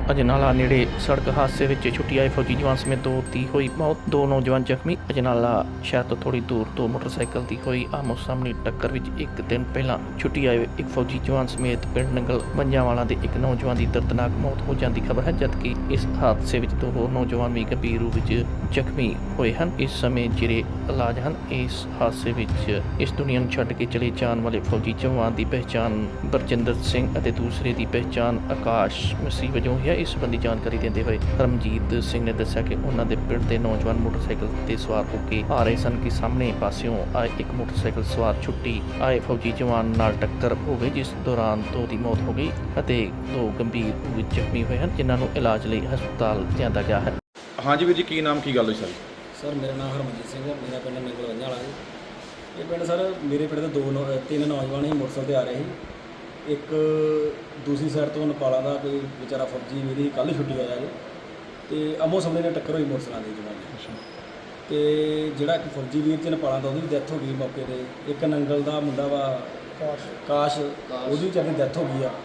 ਅਜਨਾਲਾ ਨੇੜੇ ਸੜਕ ਹਾਦਸੇ ਵਿੱਚ ਛੁੱਟੀ ਆਏ ਫੌਜੀ ਜਵਾਨ ਸਮੇਤ ਦੋ ਦੀ ਹੋਈ ਮੌਤ। ਦੋ ਨੌਜਵਾਨ ਜ਼ਖਮੀ। ਅਜਨਾਲਾ ਸ਼ਹਿਰ ਤੋਂ ਥੋੜੀ ਦੂਰ ਤੋਂ ਮੋਟਰਸਾਈਕਲ ਦੀ ਹੋਈ ਆਮੋ ਸਾਹਮਣੀ ਟੱਕਰ ਵਿੱਚ ਇੱਕ ਦਿਨ ਪਹਿਲਾਂ ਛੁੱਟੀ ਆਏ ਇੱਕ ਫੌਜੀ ਜਵਾਨ ਸਮੇਤ ਪਿੰਡ ਨੰਗਲ ਮੰਜਾਂਵਾਲਾ ਦੇ ਇੱਕ ਨੌਜਵਾਨ ਦੀ ਦਰਦਨਾਕ ਮੌਤ ਹੋ ਜਾਂਦੀ ਖਬਰ ਹੈ, ਜਦਕਿ ਇਸ ਹਾਦਸੇ ਵਿੱਚ ਦੋ ਹੋਰ ਨੌਜਵਾਨ ਵੀ ਗੰਭੀਰ ਰੂਪ ਵਿੱਚ ਜ਼ਖਮੀ ਹੋਏ ਹਨ। ਇਸ ਸਮੇਂ ਜਿਹੜੇ ਇਲਾਜ ਹਨ। ਇਸ ਹਾਦਸੇ ਵਿੱਚ ਇਸ ਦੁਨੀਆ ਨੂੰ ਛੱਡ ਕੇ ਚਲੇ ਜਾਣ ਵਾਲੇ ਫੌਜੀ ਜਵਾਨ ਦੀ ਪਹਿਚਾਣ ਬਰਜਿੰਦਰ ਸਿੰਘ ਅਤੇ ਦੂਸਰੇ ਦੀ ਪਹਿਚਾਣ ਆਕਾਸ਼ ਮਸੀਹ ਵਜੋਂ ਹੈ। ਇਸ ਸੰਬੰਧੀ ਜਾਣਕਾਰੀ ਦਿੰਦੇ ਹੋਏ ਰਮਜੀਤ ਸਿੰਘ ਨੇ ਦੱਸਿਆ ਕਿ ਉਹਨਾਂ ਦੇ ਪਿੰਡ ਦੇ ਨੌਜਵਾਨ ਮੋਟਰਸਾਈਕਲ ਤੇ ਸਵਾਰ ਹੋ ਕੇ ਆ ਰਹੇ ਸਨ ਕਿ ਸਾਹਮਣੇ ਪਾਸਿਓਂ ਆਏ ਇੱਕ ਮੋਟਰਸਾਈਕਲ ਸਵਾਰ ਛੁੱਟੀ ਆਏ ਫੌਜੀ ਜਵਾਨ ਨਾਲ ਟੱਕਰ ਹੋ ਗਈ, ਜਿਸ ਦੌਰਾਨ ਦੋ ਦੀ ਮੌਤ ਹੋ ਗਈ ਅਤੇ ਦੋ ਗੰਭੀਰ ਰੂਪ ਵਿੱਚ ਜ਼ਖਮੀ ਹੋਏ ਹਨ, ਜਿਨ੍ਹਾਂ ਨੂੰ ਇਲਾਜ ਲਈ ਹਸਪਤਾਲ ਲਿਆਂਦਾ ਗਿਆ ਹੈ। ਹਾਂਜੀ ਵੀਰ ਜੀ, ਕੀ ਨਾਮ ਕੀ ਗੱਲ ਹੋਈ ਸਾਰੀ? ਸਰ ਮੇਰਾ ਨਾਮ ਹਰਮਨਜੀਤ ਸਿੰਘ ਹੈ। ਮੇਰਾ ਪਿੰਡ ਨੰਗਲ ਮੰਜਾਂਵਾਲਾ ਜੀ। ਇਹ ਪਿੰਡ ਸਰ ਮੇਰੇ ਪਿੰਡ ਦੇ ਤਿੰਨ ਨੌਜਵਾਨ ਹੀ ਮੋਟਰਸਾਈਕਲ 'ਤੇ ਆ ਰਹੇ ਸੀ। ਇੱਕ ਦੂਸਰੀ ਸਾਈਡ ਤੋਂ ਨੇਪਾਲਾਂ ਦਾ ਕੋਈ ਵਿਚਾਰਾ ਫੌਜੀ ਮੇਰੀ ਕੱਲ੍ਹ ਛੁੱਟੀ ਆਇਆ ਜੀ, ਅਤੇ ਆਮੋ ਸਾਹਮਣੇ ਨਾਲ ਟੱਕਰ ਹੋਈ ਮੋਟਰਸਾਈਕਲਾਂ ਦੀ ਜਵਾਨ। ਅਤੇ ਜਿਹੜਾ ਇੱਕ ਫੌਜੀ ਵੀਰ ਚ ਨੇਪਾਲਾਂ ਦਾ ਉਹਦੀ ਵੀ ਡੈਥ ਹੋ ਗਈ ਮੌਕੇ 'ਤੇ। ਇੱਕ ਨੰਗਲ ਦਾ ਮੁੰਡਾ ਵਾ ਕਾਸ਼, ਉਹਦੀ ਵੀ ਵਿਚਾਰੀ ਡੈਥ ਹੋ ਗਈ ਆ।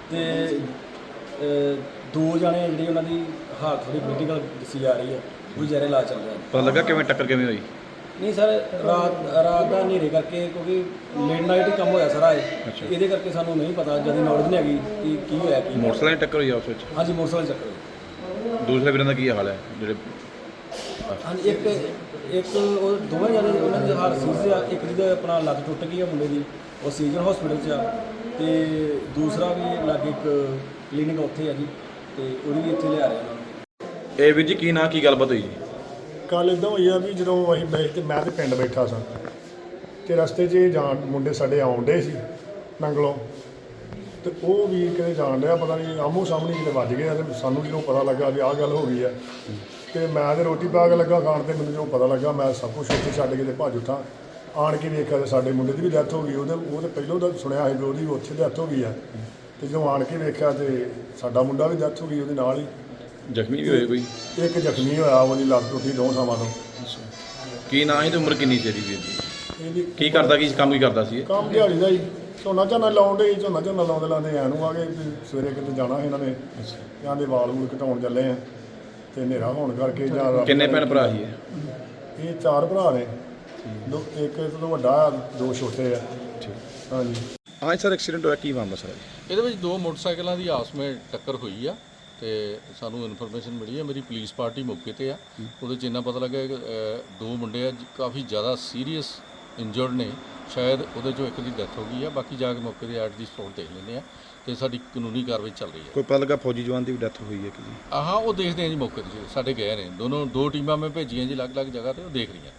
ਅਤੇ ਦੋ ਜਾਣੇ ਜਿਹੜੀ ਉਹਨਾਂ ਦੀ ਹਾਲਤ ਥੋੜ੍ਹੀ ਕ੍ਰਿਟੀਕਲ ਦੱਸੀ ਜਾ ਰਹੀ ਹੈ, ਉਹ ਵਿਚਾਰੇ ਇਲਾਜ ਚੱਲ ਰਿਹਾ। ਪਤਾ ਲੱਗਾ ਕਿਵੇਂ ਟੱਕਰ ਕਿਵੇਂ ਹੋਈ? ਨਹੀਂ ਸਰ, ਰਾਤ ਦਾ ਹਨੇਰੇ ਕਰਕੇ, ਕਿਉਂਕਿ ਲੇਟ ਨਾਈਟ ਹੀ ਕੰਮ ਹੋਇਆ ਸਾਰਾ ਇਹ, ਇਹਦੇ ਕਰਕੇ ਸਾਨੂੰ ਨਹੀਂ ਪਤਾ, ਜਦ ਨੌਲੇਜ ਨਹੀਂ ਹੈਗੀ ਕਿ ਕੀ ਹੋਇਆ ਕੀ। ਮੋਟਰਸਾਈਕਲ ਟੱਕਰ ਹੋਈ ਆ ਉਸ ਵਿੱਚ? ਹਾਂਜੀ, ਮੋਟਰਸਾਈਕਲ ਚੱਕਰ ਹੋਇਆ। ਦੂਸਰੇ ਵੀਰਾਂ ਦਾ ਕੀ ਹਾਲ ਹੈ ਜਿਹੜੇ? ਹਾਂਜੀ, ਇੱਕ ਉਹ ਦੋਵੇਂ ਜਣੇ ਉਹਨਾਂ ਦੀ ਹਾਲਤ ਸੀਰੀਅਸ ਆ। ਇੱਕ ਦੀ ਆਪਣਾ ਲੱਤ ਟੁੱਟ ਗਈ ਆ ਮੁੰਡੇ ਦੀ, ਉਹ ਸੀਜ਼ਨ ਹਸਪੀਟਲ 'ਚ ਆ। ਅਤੇ ਦੂਸਰਾ ਵੀ ਲਾਗੇ ਇੱਕ ਕਲੀਨਿਕ ਉੱਥੇ ਆ ਜੀ, ਅਤੇ ਉਹਦੀ ਵੀ ਇੱਥੇ ਲਿਆ ਰਹੇ ਉਹਨਾਂ ਨੂੰ। ਇਹ ਵੀਰ ਜੀ ਕੀ ਨਾਂ ਕੀ ਗੱਲਬਾਤ ਹੋਈ ਜੀ? ਕੱਲ੍ਹ ਇੱਦਾਂ ਹੋਈ ਆ ਵੀ ਜਦੋਂ ਅਸੀਂ ਮੈਂ ਤਾਂ ਪਿੰਡ ਬੈਠਾ ਸਾਂ ਅਤੇ ਰਸਤੇ 'ਚ ਜਾਣ ਮੁੰਡੇ ਸਾਡੇ ਆਉਣ ਡੇ ਸੀ ਨੰਗਲੋਂ, ਅਤੇ ਉਹ ਵੀਰ ਕਿਤੇ ਜਾਣ ਡਿਆ, ਪਤਾ ਨਹੀਂ ਆਮੋ ਸਾਹਮਣੇ ਕਿਤੇ ਵੱਜ ਗਏ। ਅਤੇ ਸਾਨੂੰ ਜਦੋਂ ਪਤਾ ਲੱਗਾ ਵੀ ਆਹ ਗੱਲ ਹੋ ਗਈ ਆ, ਅਤੇ ਮੈਂ ਤਾਂ ਰੋਟੀ ਪਾ ਕੇ ਲੱਗਾ ਖਾਣ, ਅਤੇ ਮੈਨੂੰ ਜਦੋਂ ਪਤਾ ਲੱਗਾ ਮੈਂ ਸਭ ਕੁਛ ਉੱਥੇ ਛੱਡ ਕੇ ਤੇ ਭੱਜ ਉੱਠਾਂ। ਆਣ ਕੇ ਵੇਖਿਆ ਤਾਂ ਸਾਡੇ ਮੁੰਡੇ ਦੀ ਵੀ ਡੈਥ ਹੋ ਗਈ। ਉਹ ਤਾਂ ਪਹਿਲੋਂ ਤਾਂ ਸੁਣਿਆ ਸੀ ਵੀ ਉਹਦੀ ਉੱਥੇ ਡੈਥ ਹੋ ਗਈ ਆ, ਅਤੇ ਜਦੋਂ ਆਣ ਕੇ ਵੇਖਿਆ ਤਾਂ ਸਾਡਾ ਮੁੰਡਾ ਵੀ ਡੈਥ ਹੋ ਗਈ ਉਹਦੇ ਨਾਲ ਹੀ। ਜ਼ਖਮੀ ਵੀ ਹੋਏ ਕੋਈ? ਇੱਕ ਜ਼ਖਮੀ ਹੋਇਆ, ਉਹਦੀ ਲੱਤ ਟੁੱਟੀ ਦੋ ਥਾਵਾਂ ਤੋਂ। ਕੀ ਨਾਂ ਸੀ ਤੇ ਉਮਰ ਕਿੰਨੀ ਸੀ ਇਹਦੀ ਵੀਰ ਦੀ? ਇਹਦੀ ਕੀ ਕਰਦਾ, ਕੀ ਕੰਮ ਕੀ ਕਰਦਾ ਸੀ ਇਹ? ਕੰਮ ਦਿਹਾੜੀ ਦਾ ਹੀ, ਝੋਨਾ ਲਾਉਣ ਡੇ ਸੀ। ਝੋਨਾ ਲਾਉਂਦੇ ਲਾਉਂਦੇ ਐਂ ਨੂੰ ਆ ਗਏ ਵੀ ਸਵੇਰੇ ਕਿਤੇ ਜਾਣਾ ਸੀ ਇਹਨਾਂ ਨੇ, ਇਹਨਾਂ ਦੇ ਵਾਲ ਵੂਲ ਘਟਾਉਣ ਚੱਲੇ ਆ, ਅਤੇ ਹਨੇਰਾ ਹੋਣ ਕਰਕੇ ਜਾਂ ਕਿੰਨੇ ਭੈਣ ਭਰਾ ਸੀ ਇਹ? ਇਹ ਚਾਰ ਭਰਾ ਨੇ, ਇੱਕ ਤੋਂ ਵੱਡਾ, ਦੋ ਛੋਟੇ ਆ। ਹਾਂਜੀ। ਹਾਂ ਸਰ, ਐਕਸੀਡੈਂਟ ਹੋਇਆ, ਕੀ ਮਾਮਲਾ ਸਰ? ਇਹਦੇ ਵਿੱਚ ਦੋ ਮੋਟਰਸਾਈਕਲਾਂ ਦੀ ਆਪਸ ਵਿੱਚ ਟੱਕਰ ਹੋਈ ਆ, ਤੇ ਸਾਨੂੰ ਇਨਫੋਰਮੇਸ਼ਨ ਮਿਲੀ ਹੈ। ਮੇਰੀ ਪੁਲਿਸ ਪਾਰਟੀ ਮੌਕੇ 'ਤੇ ਆ। ਉਹਦੇ 'ਚ ਇੰਨਾ ਪਤਾ ਲੱਗਾ ਕਿ ਦੋ ਮੁੰਡੇ ਆ ਕਾਫੀ ਜ਼ਿਆਦਾ ਸੀਰੀਅਸ ਇੰਜਰਡ ਨੇ, ਸ਼ਾਇਦ ਉਹਦੇ 'ਚੋਂ ਇੱਕ ਦੀ ਡੈਥ ਹੋ ਗਈ ਆ। ਬਾਕੀ ਜਾ ਕੇ ਮੌਕੇ 'ਤੇ ਐਟ ਦੀ ਸਪੌਟ ਦੇਖ ਲੈਂਦੇ ਆ, ਅਤੇ ਸਾਡੀ ਕਾਨੂੰਨੀ ਕਾਰਵਾਈ ਚੱਲ ਰਹੀ ਹੈ। ਕੋਈ ਪਤਾ ਲੱਗਾ ਫੌਜੀ ਜਵਾਨ ਦੀ ਵੀ ਡੈਥ ਹੋਈ ਹੈ ਕਿ ਜੀ? ਹਾਂ, ਉਹ ਦੇਖਦੇ ਆ ਜੀ, ਮੌਕੇ 'ਤੇ ਸਾਡੇ ਗਏ ਨੇ ਦੋ ਟੀਮਾਂ ਮੈਂ ਭੇਜੀਆਂ ਜੀ ਅਲੱਗ-ਅਲੱਗ ਜਗ੍ਹਾ 'ਤੇ, ਉਹ ਦੇਖ ਰਹੀਆਂ।